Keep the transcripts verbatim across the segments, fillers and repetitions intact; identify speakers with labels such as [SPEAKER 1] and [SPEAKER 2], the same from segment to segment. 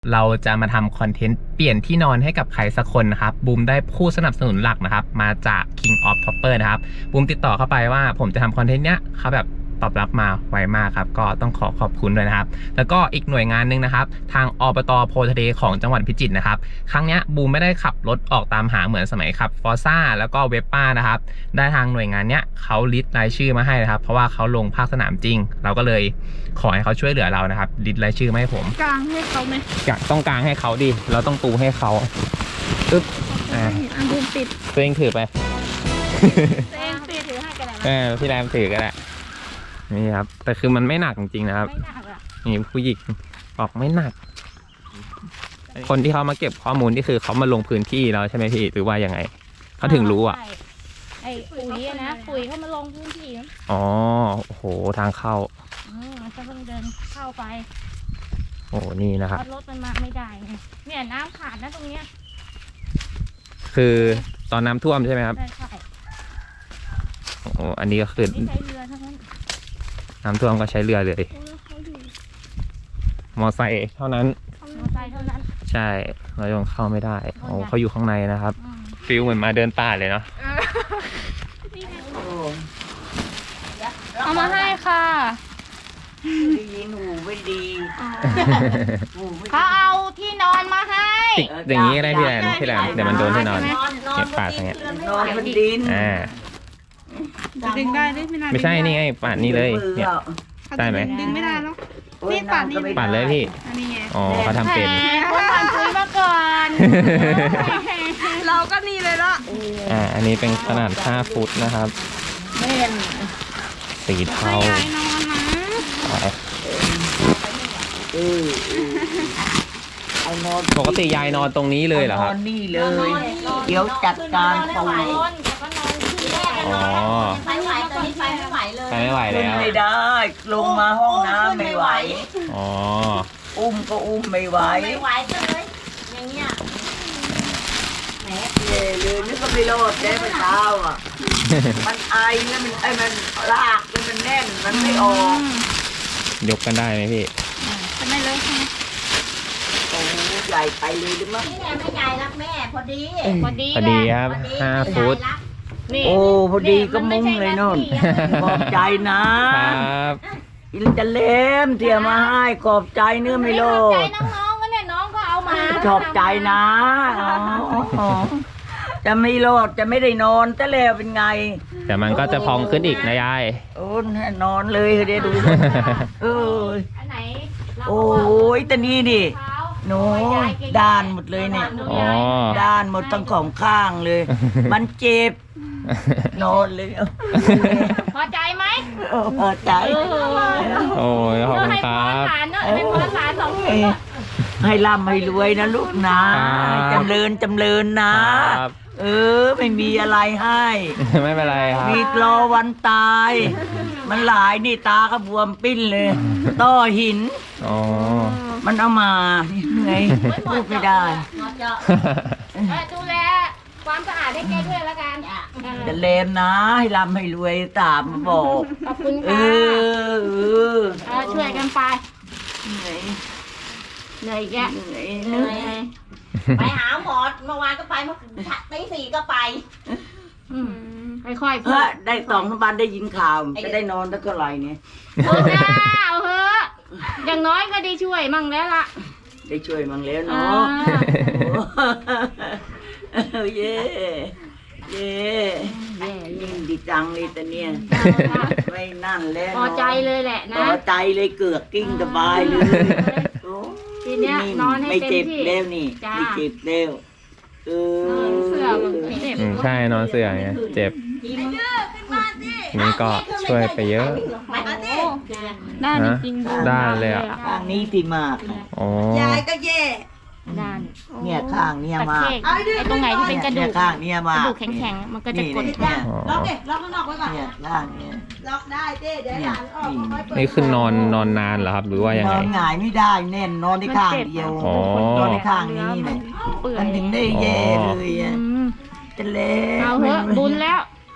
[SPEAKER 1] เราจะมาทำคอนเทนต์เปลี่ยนที่นอนให้กับใครสักคนนะครับบูมได้ผู้สนับสนุนหลักนะครับมาจาก King of Topper นะครับบูมติดต่อเข้าไปว่าผมจะทำคอนเทนต์เนี้ยเขาแบบตอบรับมาไวมากครับก็ต้องขอขอบคุณด้วยนะครับแล้วก็อีกหน่วยงานหนึ่งนะครับทางอบต.โพทะเลของจังหวัดพิจิตรนะครับครั้งนี้บูมไม่ได้ขับรถออกตามหาเหมือนสมัยขับฟอร์ซ่าแล้วก็เวปป้านะครับได้ทางหน่วยงานเนี้ยเขาลิสต์รายชื่อมาให้นะครับเพราะว่าเขาลงภาคสนามจริงเราก็เลยขอให้เขาช่วยเหลือเรานะครับลิสต์รายชื่อมาให้ผม
[SPEAKER 2] กลางให้เขาไหม
[SPEAKER 1] อยากต้องกลางให้เขาดิเราต้องปูให้เขาอึ๊บอ่า
[SPEAKER 2] อันบูมติด
[SPEAKER 1] ตัวเองถือไป
[SPEAKER 2] ตัวเองติดถือให้กันแล้ว
[SPEAKER 1] เออพี่แรมถือก็ได้นี่ครับแต่คือมันไม่หนักจริงๆนะครับ
[SPEAKER 2] ไม่หนักอ่ะ
[SPEAKER 1] นี่ผู้หญิงบอกไม่หนักคนที่เขามาเก็บข้อมูลนี่คือเขามาลงพื้นที่แล้วใช่ไหมพี่หรือว่ายังไงเขาถึงรู้อ่ะ
[SPEAKER 2] ไอ้ปุ๋ยนะปุ๋ยเขามาลงพื้นที่
[SPEAKER 1] อ๋อโอ้โหทางเข้า
[SPEAKER 2] อืมมันจะต้องเดินเข้าไป
[SPEAKER 1] โอ้นี่นะครับ
[SPEAKER 2] รถมันมาไม่ได้เนี่ยน้ำขาดนะตรงเนี้ย
[SPEAKER 1] คือตอนน้ำท่วมใช่ไหมครับ
[SPEAKER 2] ใช่ใช่
[SPEAKER 1] โอ้อันนี้ก็คือ
[SPEAKER 2] ใช้เรือทั้งนั้น
[SPEAKER 1] น้ำท่วมก็ใช้เรือเลยมอไซค์เท่านั้น
[SPEAKER 2] มอไซค์เท่านั้น
[SPEAKER 1] ใช่เรายังเข้าไม่ได้โอ้เขาอยู่ข้างในนะครับฟิลเหมือนมาเดินป่าเลยเนาะ
[SPEAKER 2] เอามาให้ค่ะ
[SPEAKER 3] ดีหนูไม่ดี
[SPEAKER 2] เขาเอาที่นอนมาให้
[SPEAKER 1] อย่างนี้ก็ได้พี่แรมพี่แรมเดี๋ยวมันโดนที่นอนเก็บป่าอย่างเงี้ย
[SPEAKER 3] นอนบนดิน
[SPEAKER 1] อ่า
[SPEAKER 2] ดึงได้ไหมไม่
[SPEAKER 1] ไม่ใช่นี่ไงป่านนี้เลยเนี่ยได้ไหม
[SPEAKER 2] ดึงไม่ได้แล้วนี่ป่านนี้
[SPEAKER 1] ป่านเลยพี่อ๋อเขาทำเป็น
[SPEAKER 2] ป่านคุยมาก่อนเราก็นี่เลยละ
[SPEAKER 1] อ่าอันนี้เป็นขนาดห้าฟุตนะครับ
[SPEAKER 3] แม่น
[SPEAKER 1] สีเทาปกติยายนอนตรงนี้เลยเหรอครับ
[SPEAKER 3] นอนนี่เลยเดี๋ยวจัดการปู
[SPEAKER 1] อ๋อ
[SPEAKER 4] ไปไหวตอนนี้ไปไม่ไหวเลย
[SPEAKER 1] ไปไม่ไหวแล้ว
[SPEAKER 3] ไม่ได้ลงมาห้องน้ำไม่ไหว
[SPEAKER 1] อ๋อ
[SPEAKER 3] อุ้มก็อุ้มไม่ไหว
[SPEAKER 4] ไม่ไหวเลยอย่างเงี้ยแหม
[SPEAKER 3] เย่เลยนึกว่าไม่รอดได้เมื่อเช้าอ่ะมันไอแล้วมันไอมันลากแล้วมันแน่นมันไม่ออก
[SPEAKER 1] ยกกันได้ไหมพี่
[SPEAKER 2] จะไม่เลิกใช่ไหม
[SPEAKER 3] โอ้ใหญ่ไปเลยหรือมั้ง
[SPEAKER 4] นี่แหละไม่ใหญ่รักแม่พอดี
[SPEAKER 2] พอดี
[SPEAKER 1] พอดีครับห้าฟุต
[SPEAKER 3] โอ้พอดีก็มุ้งเลยนนขอบใจนะครับอินจะเล่มเที่ยมาให้ขอบใจเนื้อไม่โล
[SPEAKER 2] ดขอบใจน้องๆก็เนี่ยน้องก็เอามา
[SPEAKER 3] ขอบใจนะจะไม่โลดจะไม่ได้นอนแต่แล้วเป็นไง
[SPEAKER 1] แต่มันก็จะพองขึ้นอีกนะยาย
[SPEAKER 3] โอ้นอนเลยเดี๋ยวดูเออโอ้ยแต่นี่ดิโน้ด้านหมดเลยเนี่ยด้านหมดทั้งของข้างเลยมันเจ็บนอนเลย
[SPEAKER 2] พอใจไหม
[SPEAKER 3] พอใจ
[SPEAKER 1] โอ้ยขอบคุณครับ
[SPEAKER 2] ให้พอสารสองคน
[SPEAKER 3] ให้ร่ำให้รวยนะลูกนะจำเริญจำเริญนะเออไม่มีอะไรให้
[SPEAKER 1] ไม่เป็นไรครับ
[SPEAKER 3] มีรอวันตายมันหลายนี่ตาก็บวมปิ้นเลยต้อหิน
[SPEAKER 1] อ๋อ
[SPEAKER 3] มันเอามาเหนื่อยพูดไม่ได้
[SPEAKER 2] ดูแลความสะอาดให้แกด้วยแล้วกัน
[SPEAKER 3] จะเลมนะให้ร่ำให้รวยตามบอก
[SPEAKER 2] ขอบคุณค่ะเออช่วยกันไปเหนื่อยเหนื่อยแก
[SPEAKER 3] เหนื่อยเหนื่อย
[SPEAKER 4] ไปหาหมอเมื่อวานก็ไปเมื่อตีสี่ก็ไป
[SPEAKER 2] ค่อยๆ
[SPEAKER 3] เพื่อได้สองวันได้ยินข่าวจะได้นอนตั้งเท่าไหร่เนี่ย
[SPEAKER 2] เอาเถอะเอาเถอะอย่างน้อยก็ได้ช่วยมั่งแล้วล่ะ
[SPEAKER 3] ได้ช่วยมั่งแล้วเนาะเย่เย่ยิ่งดีจังเลยแต่เนี่ยไม่นั่นแล้ว
[SPEAKER 2] พอใจเลยแหละนะ
[SPEAKER 3] พอใจเลยเกือกกิ้งสบายเลย
[SPEAKER 2] ทีเนี้ยนอนให้เต็มที่
[SPEAKER 3] ไม่เจ็บแล้วนี่ไม่เจ็บแล้วเออ
[SPEAKER 2] เสื่อมันเจ็บ
[SPEAKER 1] ใช่นอนเสื่อไงเจ็บนี่ก็ช่วยไปเยอะ
[SPEAKER 2] ด้านจริงๆ
[SPEAKER 1] ด้านเลยอ่ะ
[SPEAKER 3] ข้างนี้ที่มาก
[SPEAKER 1] อ๋อย
[SPEAKER 4] ายก็เย่
[SPEAKER 2] ด้าน
[SPEAKER 3] เนี่ยข้างเนี่ยมาก
[SPEAKER 2] ไอ้ตรงไหนที่เป็นกระดูก
[SPEAKER 3] ข้างเนี่ยมาก
[SPEAKER 2] กระดูกแข็งๆมันก็จะกด
[SPEAKER 4] ล็อกเด็ล็อกข้างนอกไว้ก่อน
[SPEAKER 3] เนี่ยข้างเนี่ย
[SPEAKER 4] ล็อกได้เจ๊เดี๋ยวหลานออก
[SPEAKER 1] นี่คือนอนนอนนานเหรอครับหรือว่ายังไง
[SPEAKER 3] นอนหงายไม่ได้แน่นนอนในข้างเดียวนอนในข้างนี้เนี่ยมันถึงได้แย่เลยอ่ะจะเล่
[SPEAKER 2] เอาเถอะบุญแล้ว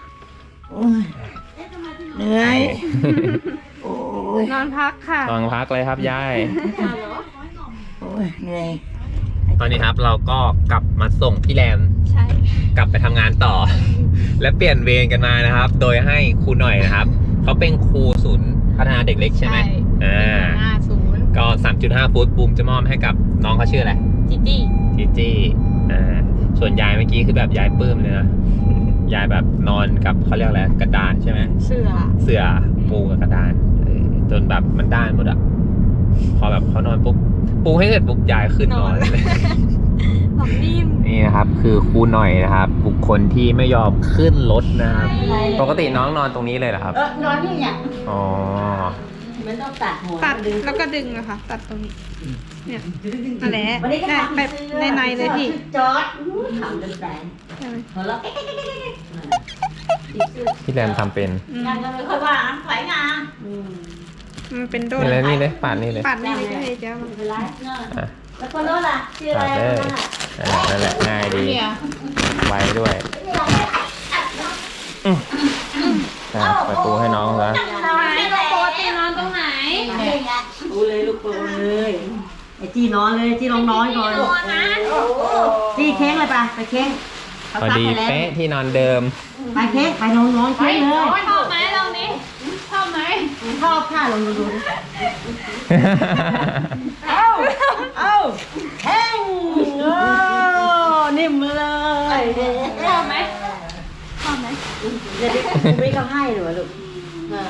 [SPEAKER 3] เหนื่อย
[SPEAKER 2] นอนพักค่ะ
[SPEAKER 1] นอนพักเลยครับยาย
[SPEAKER 3] โอ้ยเหนื่อย
[SPEAKER 1] ตอนนี้ครับเราก็กลับมาส่งพี่แรม
[SPEAKER 4] ใช่
[SPEAKER 1] กลับไปทำงานต่อ และเปลี่ยนเวรกันมานะครับ โดยให้ครูหน่อยนะครับเขาเป็นครูศูนย์พัฒนาเด็กเล็กใช่ไหมอ่า
[SPEAKER 4] ห้าศูนย์
[SPEAKER 1] ก็ สามจุดห้า ฟุตบูมจะมอบให้กับน้องเขาชื่ออะไร
[SPEAKER 4] จีจี้
[SPEAKER 1] จีจี้อ่าส่วนยายเมื่อกี้คือแบบยายปลื้มเลยนะ ยายแบบนอนกับเขาเรียกอะไรกระดานใช่ไหม
[SPEAKER 4] เสือ
[SPEAKER 1] เสื่อปูกับกระดานเออจนแบบมันด้านหมดอะพอแบบเขานอนปุ๊บปูให้เสร็จปุ๊บยายขึ้นนอนเลย
[SPEAKER 4] หลับนิ่ม
[SPEAKER 1] นี่นะครับคือครูหน่อยนะครับ บุคคลที่ไม่ยอมขึ้นรถนะครับปกติน้องนอนตรงนี้เลยเหรอครับ
[SPEAKER 2] เออนอนนี่เนี่ย
[SPEAKER 1] อ๋อ
[SPEAKER 2] มันต้องตัดหัว
[SPEAKER 5] ตัด
[SPEAKER 2] ดึง
[SPEAKER 5] แล้วก็ดึงนะคะตัดตรงนี้ เนี่ยนั่นแหละ
[SPEAKER 2] วันนี้ก็
[SPEAKER 5] ได้
[SPEAKER 2] ทำ
[SPEAKER 5] แบบในในๆเลยพี่
[SPEAKER 2] จอดทำจนแตก
[SPEAKER 5] ใช่ไหม
[SPEAKER 2] หัวเราะ
[SPEAKER 1] พี่แรมทำเป็น
[SPEAKER 5] อืม
[SPEAKER 2] งานก็ไม่ค่อยว่าไหวงาน
[SPEAKER 5] มันเป็นโดน
[SPEAKER 1] นี่เลยนี่เลยปาดนี่เลย
[SPEAKER 5] ปัดนี่เลยก็เลยเจ้ามัน
[SPEAKER 2] ไม่เป็นไรเนอะ
[SPEAKER 1] อ่ะ
[SPEAKER 2] แล้วคนโน้นล่ะชื่ออะไร
[SPEAKER 1] ปาดเลย
[SPEAKER 2] คนนั้นน่ะ
[SPEAKER 1] อ่ะนั่นแหละง่ายดี
[SPEAKER 5] เนี่ย
[SPEAKER 1] ไวด้วยอืมอ่ะไปปูให้น้องซะ
[SPEAKER 4] ปกตินอนตรงไหน
[SPEAKER 2] ปูเลยลูกปูเลยไอ้จี้นอนเลยจี้ลองน้อยก่อน
[SPEAKER 4] นอนนะ
[SPEAKER 2] จี้เค้งเลยปะไปเค้งเขา
[SPEAKER 1] พอ
[SPEAKER 2] ซัก
[SPEAKER 1] ดี
[SPEAKER 2] ให้แล้ว
[SPEAKER 1] เป๊ะที่นอนเดิม
[SPEAKER 2] ไปเค้งไปนอนนอนเค้งเลย
[SPEAKER 4] ชอบไหมลองนี้ชอบไหม
[SPEAKER 2] ชอบค่ะลองดูดูดิเอ้าเอ้าเค้งโอ้นิ่มเลย
[SPEAKER 4] ชอบไหม
[SPEAKER 2] เดี๋ยวคุณไม่เขาให้หนูลูกเออ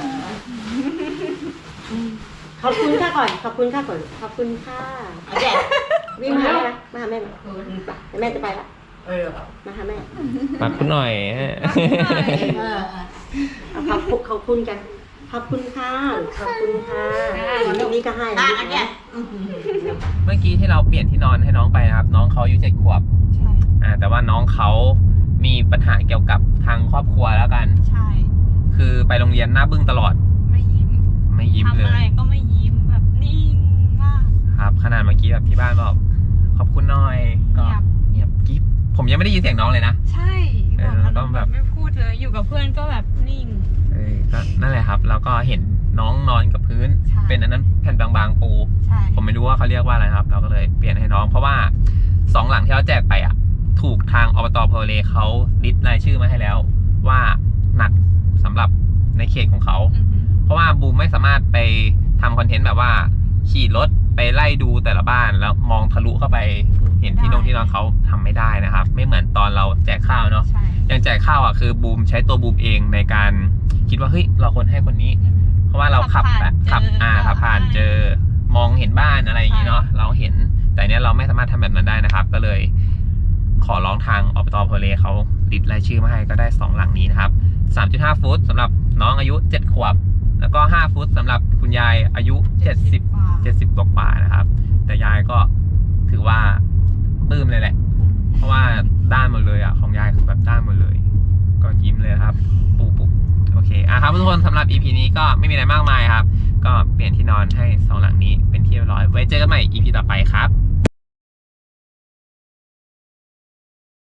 [SPEAKER 2] ขอบคุณค่ะก่อน ขอบคุณค่ะก่อน ขอบคุณค่ะแกวิ่งมาหาแม่มาหาแม่มาแม่จะไปละมาหาแม่
[SPEAKER 1] ปักคุณหน่อยฮะ
[SPEAKER 2] เออเอาขอบคุณขอบคุณกัน ขอบคุณค่ะ ขอบคุณค่ะนี่ก็ให้นะแก
[SPEAKER 1] เมื่อกี้ที่เราเปลี่ยนที่นอนให้น้องไปนะครับ น้องเขาอายุเจ็ดขวบ
[SPEAKER 5] ใช่
[SPEAKER 1] อ่าแต่ว่าน้องเขามีปัญหาเกี่ยวกับทางครอบครัวแล้วกัน
[SPEAKER 5] ใช่
[SPEAKER 1] คือไปโรงเรียนหน้าบึ้งตลอด
[SPEAKER 5] ไม่ยิ้ม
[SPEAKER 1] ไม่ยิ้มเล
[SPEAKER 5] ทำอะไร
[SPEAKER 1] ย
[SPEAKER 5] ก็ไม่ยิ้มแบบนิ่งมาก
[SPEAKER 1] ครับ ขนาดเมื่อกี้แบบที่บ้านบอกขอบคุณหน่อยก็
[SPEAKER 5] เงียบ
[SPEAKER 1] เงียบกิ๊บผมยังไม่ได้ยินเสียงน้องเลยนะ
[SPEAKER 5] ใช่
[SPEAKER 1] เออ
[SPEAKER 5] บอก
[SPEAKER 1] ต้
[SPEAKER 5] แล้
[SPEAKER 1] อง
[SPEAKER 5] ว
[SPEAKER 1] แบ
[SPEAKER 5] แบบ บไม่พูดเลยอยู่กับเพื่อนก็แบบนิ่ง
[SPEAKER 1] เออก็นั่นแหละครับ แล้วก็เห็นน้องนอนกับพื้น
[SPEAKER 5] ใช่
[SPEAKER 1] เป็นอันนั้นแผ่นบางๆปู
[SPEAKER 5] ใช่
[SPEAKER 1] ผมไม่รู้ว่าเขาเรียกว่าอะไรครับ เราก็เลยเปลี่ยนให้น้อง เพราะว่าสองหลังที่เราแจกไปอ่ะ ถูกทางอบตโพเลเขาลิสต์รายชื่อมาให้แล้ว ว่าหนักสำหรับในเขตของเขา
[SPEAKER 5] อือหือ
[SPEAKER 1] เพราะว่าบูมไม่สามารถไปทำคอนเทนต์แบบว่าขี่รถไปไล่ดูแต่ละบ้านแล้วมองทะลุเข้าไปเห็นที่นงที่นอนเขาทำไม่ได้นะครับ ไม่เหมือนตอนเราแจกข้าวเนาะ
[SPEAKER 5] ใช่
[SPEAKER 1] อย่างแจกข้าวอ่ะคือบูมใช้ตัวบูมเองในการคิดว่าเฮ้ยเราควรให้คนนี้
[SPEAKER 5] อืม
[SPEAKER 1] เพราะว่าเราขับแบบขับอ่าขับผ่านเจอมองเห็นบ้านอะไรอย่างนี้เนาะเราเห็นแต่เนี้ยเราไม่สามารถทำแบบนั้นได้นะครับ ก็เลยขอร้องทางอบตโพเลเขาติดรายชื่อมาให้ก็ได้สองหลังนี้นะครับ สามจุดห้า ฟุตสำหรับน้องอายุเจ็ดขวบแล้วก็ห้าฟุตสำหรับคุณยายอายุเจ็ดสิบ
[SPEAKER 5] กว่า
[SPEAKER 1] เจ็ดสิบกว่าๆนะครับ แต่ยายก็ถือว่าปลื้มเลยแหละ เพราะว่าด้านหมดเลยอ่ะของยายคือแบบด้านหมดเลย ก็ยิ้มเลยครับ ปูปุ๊บโอเคอ่ะครับทุกคนสำหรับ อี พี นี้ก็ไม่มีอะไรมากมายครับ ก็เปลี่ยนที่นอนให้สองหลังนี้เป็นที่เรียบร้อยไว้เจอกันใหม่ อี พี ต่อไปครับ